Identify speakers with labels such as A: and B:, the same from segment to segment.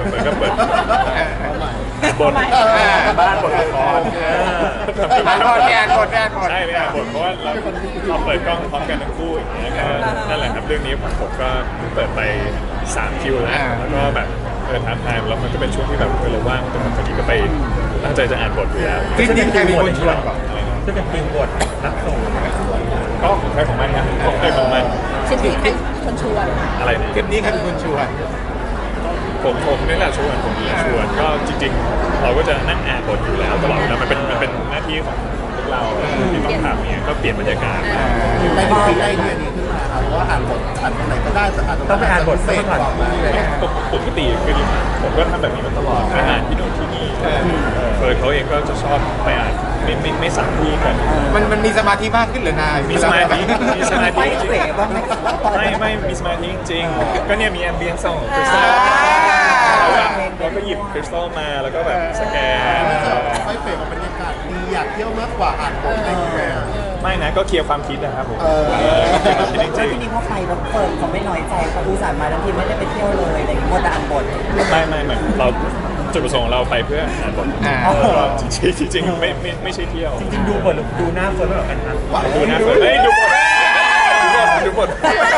A: เหมือนกับเปิดบทบ้านบทละคร
B: อ่านบทเนี่ยอ่านบท
A: ใช่ไม่อ่านบทเพราะว่าเราเปิดกล้องพร้อมกันทั้งคู่อย่างเงี้ยก็นั่นแหละครับเรื่องนี้ผมก็เปิดไป3คิวแล้วก็แบบทำไทม์แล้วมันก็เป็นช่วงที่แบบเราว่างตรงพอดีก็ไปตั้งใจจะอ่านบทอยู่แล้ว
B: จริงๆใครเป็นคนชวนก่อน
C: จะเป็นทีมบทนักส่ง
A: ก็ของใครของมันครับของใครของมัน
D: ชิ้นนี้ใครคนชวน
A: อะไรเนี่ย
B: คลิปนี้ใครเป็นคนชวน
A: ผมนี่แหละชวนผมนี่แหละชวนก็จริงๆเราก็จะนั่งอ่านบทอยู่แล้วตลอดแล้วมันเป็นหน้าที่ของพวกเราที่ต้องทำเนี่ยก็เปลี่ยนบรรยากาศ
E: ในที่คิดไอเดียนี้ขึ้นมาครับเพราะว่าอ่านบทอ่านตรงไหนก็ได้แต่อ่านตรง
C: ต้องไปอ่านบท
E: เส
C: สั
E: ร็
C: ก
E: จ
C: ก่อน
E: กว่ามาเลย
A: ปกติคือผมก็ทำแบบนี้มาตลอดอ่านที่โน่นที่นี่เฟิร์นเขาเองก็จะชอบไปอ่านไม่สั่งที่กัน
B: มันมีสมาธิมากขึ้นเหรือนาย
A: มีสมาธิจริง
C: ไม่
A: ไม่มีสมาธิจริงก็เนี่ยมีแอมเบียนซ์ของคริสตัลเราก็หยิบคริสตัลมาแล้วก็แบบสแกน
E: ไม่เปลี่ยนบรรยากาศดีอยากเที่ยวมากกว่าอ่านบทอะไรอย่างเงี้ย
A: ไม่นะก็เคลียร์ความคิดนะครับผมเคลียร์ความคิดจ
F: แล้ว
A: ริ
F: ที
A: ง
F: นี้พอไปแล้วเฟิร์นเขาไม่น้อยใจเขาอุตส่าห์มาทั้งทีไม่ได้ไปเที่ยวเลยอะไรอย่างเงี้ยหมดแต่อ่านบท
A: ไม่เราจุดประสงค์ของเราไปเพื่ออ่านบทจริงไม่ใช่เที่ยว
C: จริงๆดูบทหรือดูหน้าเฟิร์นไม่เหมือนกันครับ
A: ดูนะเฮ้ยดูบทดูบท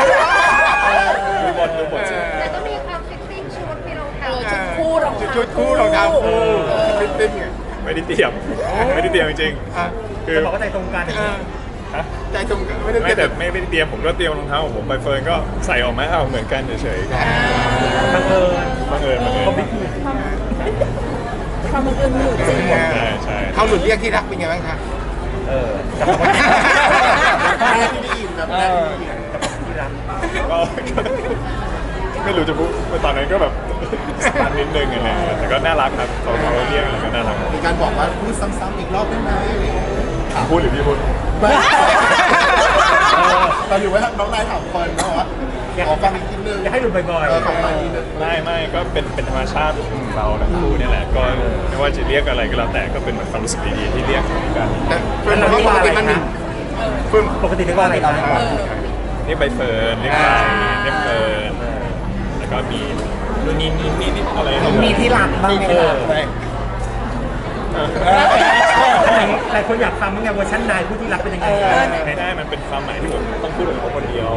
D: แต่ก็มีความฟิตติ้งชุดที่รองเท้าชุดคู่รองเท้า
B: ชุดคู่รองเท้าคู่ฟิตติ้งไง
A: ไม่ได้เตรียมจริงๆคือ
C: จะบอกว่าใจตรงกัน
B: ใจตรงกันไม่ได้
A: ไม่
B: เต็
A: แต่
B: ม
A: ไม่ได้เตรียมผมก็เตรียมรองเท้าของผมไปเฟิร์นก็ใส่ออกมาเอาเหมือนกันเฉยๆ
C: บังเอิญ
A: บังเอิญ
C: เขาไม่ถูก
D: ความบังเอิญมีอยู่จริง
A: ใช่
B: เขาหลุดเรียกที่รักเป็นไงบ้างคะ
C: จับเขาที่
E: แรกที่ได้ยินแบบแรกที่ได้ยิน
C: ที่รัก
A: ก็ไม่รู้จะพูดตอนนั้นก็แบบสตาร์ทนิดนึงอะไรเงี้ยแต่ก็น่ารักครับเขาเรียกอะไรก็น่ารัก
E: มีการบอกว่าพูดซ้ำๆอีกรอบได้ไหมอะไรอย่างเงี้ย
A: พูดหรือพี่พูด
E: ตอนอยู่ว่าน้องนายถามคนนะว่าขอฟังอีกทีนึง
C: อยากให้ดูบ่อย
E: ขอฟังอีกทีนึง
A: ไม่ก็เป็นธรรมชาติของเราทั้งคู่นี่แหละก็ไม่ว่าจะเรียกอะไรก็แล้วแต่ก็เป็นความรู้สึกดีๆที่เรียกกัน
B: แต่เพื่อนเราปกติมันมีเพื่อน
C: ปกติเรียกว่าอะไรตอนนี้
A: เรียกใบเฟิร์นเรียกใบเรียกเฟิร์นแล้วก็มีนู่นนี่อะไร
F: มีที่รักบ้างไหมล่ะ
C: หลายคนอยากฟังมั้งไงเวอร์ชันนายผู้ที่รักเป็นยังไง
A: ไม่ได้มันเป็นความหมายที่ผมต้องพูดกับเขาคนเดียว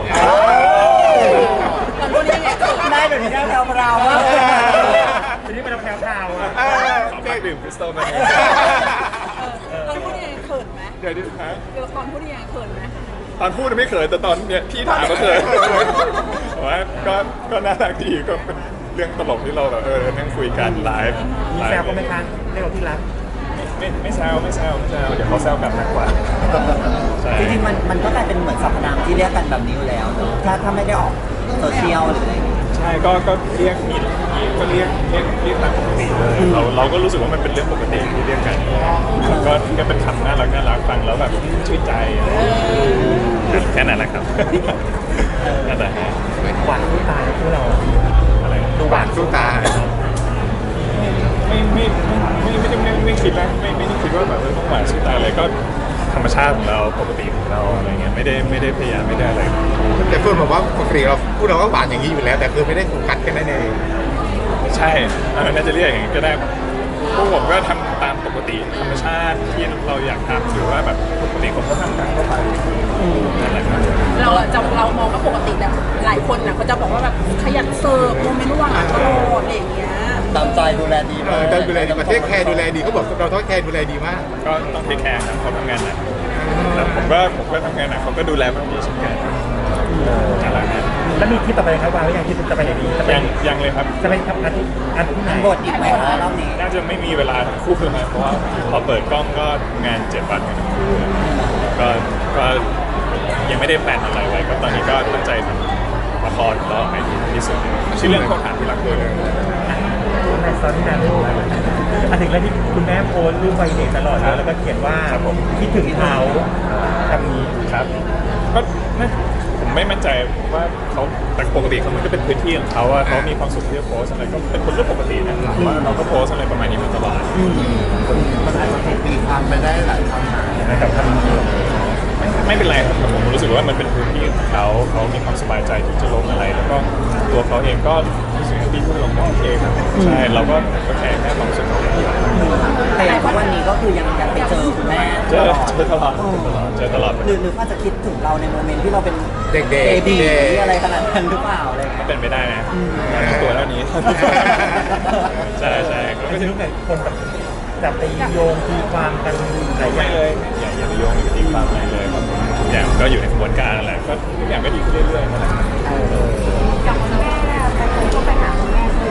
D: ตอนพูดยังไงเกิด
F: ได้แบบนี้เราเรา
C: ทีนี้เป็นแพรวๆอ่ะ
A: ขอฝากดื่มคริสตัลมา
D: ตอนพูดยังไงเขินไหม
A: เดี๋ยวดิฮะ
D: เดี๋ยวตอนพูดยังไงเขินไหม
A: ตอนพูดไม่เขินแต่ตอนเนี้ยพี่ถามก็เขินแต่ว่าก็น่ารักดีก็เป็นเรื่องตลกที่เราแบบนั่งคุยกันไลฟ์
C: มีแซวก็ไม่ทันเรียกว่าที่รัก
A: ไม่แซวเดี๋ยวเขาแซวกลับมากกว่าใช่
F: จริงๆมันก็กลายเป็นเหมือนสรรพนามที่เรียกกันแบบนี้อยู่แล้วเนอะถ้าไม่ได้ออกโซเชียลหรืออะไรอย่างเงี้ย
A: ใช่ก็เรียกก็เรียกตามปกติเลยเราก็รู้สึกว่ามันเป็นเรื่องปกติที่เรียกกันก็เป็นคำน่ารักฟังแล้วแบบชื่นใจแค่นั้นแหละครับนั่นแหละ
C: หวานผู้ตายพวกเรา
A: อะไร
C: ดูหวาน
B: สู้ตา
A: ไม่คิดนะไม่ได้คิดว่าแบบต้องหวานสุดตายอะไรก็ธรรมชาติของเราปกติของเราอะไรเงี้ยไม่ได้พยายามไม่ได้อะไร
B: แต่เพื่อนบอกว่าปกติเราพูดเราก็หวานอย่างนี้อยู่แล้ว แต่คือไม่ได้โฟกัสแค่นั้นเอง
A: ใช่น่าจะเรียกอย่างนี้ก็ได้พวกผมก็ทำตามปกติธรรมชาติที่เราอยากทำหรือว่าแบบปกติผมก็ทำตามเข้าไปนั่นแหละครับ
D: เรามองว่าปกติแบบหลายคนน่ะเขาจะบอกว่าแบบขยันเสิร์ฟโมเมนต์หวานตลอดอะไรอย่างเงี้ย
F: ตามใจดูแลดี
B: แต่ดูแลดีประเทศแคร์ดูแลดีเขาบอกเราต้องแคร์ดูแลดีมาก
A: ก็ต้องเทคแคร์ครับเขาทำงานหนักแต่ผมก็ทำงานหนักเขาก็ดูแลแบบนี้เช่นกันนั่นแหละครับ
C: แล้วมีที่ต่อไปครับวางไว้ยังที่จะไปไหนดีจะไป
A: ยังเลยครับ
C: จะไปทำงานที่ไหน
F: บทอีกไหมคะรอบนี้
A: น่าจะไม่มีเวลาทั้งคู่เลยนะเพราะว่าพอเปิดกล้องก็งาน7 วันกันทั้งคู่ก็ยังไม่ได้แพลนอะไรไว้ก็ตอนนี้ก็ตั้งใจทำละครแล้วให้ดีที่สุดชื่อเรื่องข้อถามที่รักด้วย
C: ในซอนที่นานรู้ถึงแล้วที่คุณแม่โพสรูปไวเด็กตลอดแล้วก็เขียนว่าคิดถึงเขาคำนี้
A: ครับก็ผมไม่มั่นใจว่าเขาแต่ปกติเขามันก็เป็นพื้นที่ของเขาว่าเขามีความสุขที่จะโพสอะไรก็เป็นคนเรื่องปกตินะว่าเราก็โพสอะไรประมาณนี้มาตลอด
E: มันอาจจะถูกตีความไปได้หลายความหมาย
C: นะครับคำนี้
A: ไม่เป็นไรครับผมรู้สึกว่ามันเป็นพื้นที่ของเขามีความสบายใจที่จะลงอะไร แล้วก็ตัวเขาเองก็รู้สึกดีที่ลงก็โอเคครับใช่เราก็แค่ความรู้สึกของเรา
F: แต่อย่างทุกวันนี้ก็คือยังไปเจอคุณแม่
A: เจอตลอด
F: หรือว่าจะคิดถึงเราในโมเมนต์ที่เราเป็น
B: เด็กๆ
F: เบบีอะไรขนาดนั้นหรือเปล่าอะไรเงี้ย
A: เป็นไปได้นะตัวเท่านี้ ใช่ก็
C: ก็จะรู้ไงคนแบบจับไปโยงตีความกันหลายอ
A: ไม่
C: ย่าง
A: เลยอย่าไปโยงอย่าไปตีความอะไรเลยครับทุกอย่างก็อยู่ในกระบวนการนั่นแหละก็ทุกอย่างก็ดีขึ้นเรื่อยๆนั่นแหละ
D: กับคุณแม่ไปคนก็ไปหาคุณแม่เลย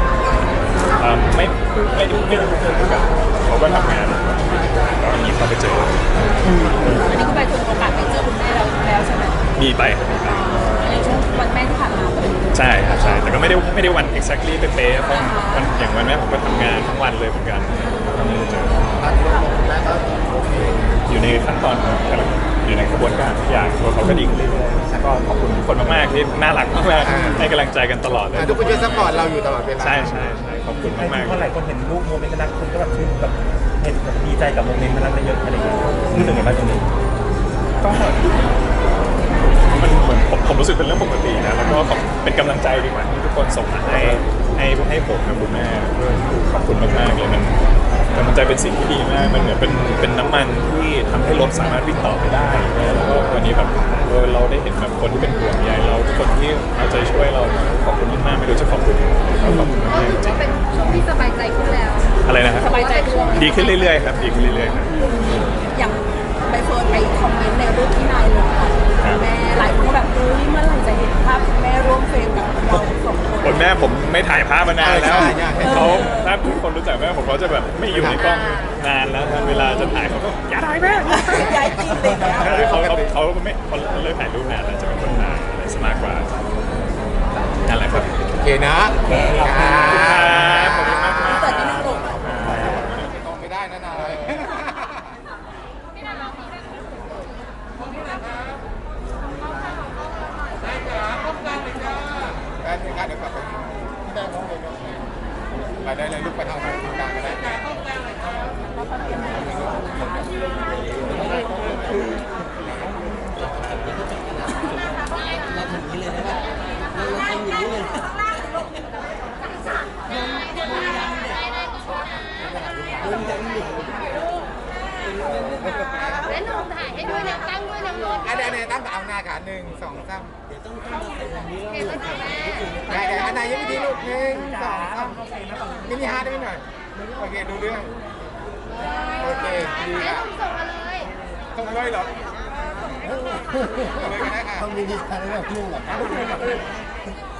A: ไม่ได้เหมือนกันเขาก็ทำงานก็มีเขาไปเจอ
D: อันนี้ก็ไปถึงโอกาสไปเจอคุณแม่แล้วใช่ไหม
A: มีไปครับมีไป
D: ในช่วงวันแม่ที่ผ่านมาเลย
A: ใช่ครับใช่แต่ก็ไม่ได้วัน exactly เป๊ะๆเพราะวันอย่างวันแม่ผมก็ทำงานทั้งวันเลยเหมือนกันก็ไม่ได้เจอ
E: ตอนที่เราบอกแม่ก็โอเค
A: อยู่ในขั้นตอนของกำลังอยู่ในกระบวนการทุกอย่างตัวเขาก็ดีขึ้นเรื่อยๆแล้วก็ขอบคุณทุกคนมากๆที่น่ารักมากๆให้กำลังใจกันตลอดเลย
B: ทุกคนจะซัพพอร์ตเราอยู่ตลอดเวลา
A: ใช่ขอบคุณ
C: ไอ้
A: มาก
C: ที่พอหลายคนเห็นรูปโมเมนต์น่ารักคนก็แบบชื่นแบบเห็นแบบดีใจกับโมเมนต์น่ารักเยอะอะไรอย่างเงี้ยรู้สึกไงบ้างตรงนี้
A: ๆก็มันเหมือนผมรู้สึกเป็นเรื่องปกตินะแล้วก็เป็นกำลังใจดีกว่าที่ทุกคนส่งมาให้ผมกับคุณแม่ด้วยขอบคุณมากๆเลยมันกำลังใจเป็นสิ่งที่ดีมากมันเหมือนเป็นน้ำมันที่ทำให้รถสามารถวิ่งต่อไปได้แล้วก็วันนี้แบบเราได้เห็นแบบคนที่เป็นห่วงใยเราทุกคนที่เอาใจช่วยเราขอบคุณมากๆไม่รู้จะขอบคุณขอบคุณมากจริง
D: เป็นช่วงที่สบายใจขึ้นแล้ว
A: ๆอะไรนะครับ
D: สบายใจขึ้น
A: ดีขึ้นเรื่อยๆครับดีขึ้นเรื่อยๆครับ
D: อย่างใบเฟิร์นไปคอมเมนต์ในรูปที่นายลงแม่หลายคนก็แบบเฮ้ยเมื่อไหร่จะเห็นภาพคุณแม่ร่วมเฟรมกับเราสองคน
A: คนแม่ผมไม่ถ่ายภาพมานานแล้ว
B: ใช่
A: เขาถ้าทุกคนรู้จักแม่ผมเขาจะแบบไม่อยู่ในกล้องนานแล้วเวลาจะถ่ายเขาก็อย่าถ่ายแม่
D: ย้ายจริงเลยนะ
A: เขาเลิกถ่ายรูปนานแล้วจะเป็นคนถ่ายอะไรซะมากกว่านั่นแหละครับ
B: โอเคนะ
A: ขอบคุณมาก
D: แต่ที่นึงลูก
B: ต้องไม่ได้นะนายแป๊บนึงครับเดี๋ยวกลับไปไปได้เลยลูกไปทางกลางก็ได้อันนี้ตั้งเอาหน้าขา1 2 3ได้อันไหนยังไม่ดีลูก1 2 3มินิฮาร์ดได้ไหมหน่อยโอเคดูเรื่องโอเคดีอ่ะส่งมาเลยเหรอส่งเลยก็ได้ค่ะ
E: ต้องมีดิสคันเรื่องลูกเหรอ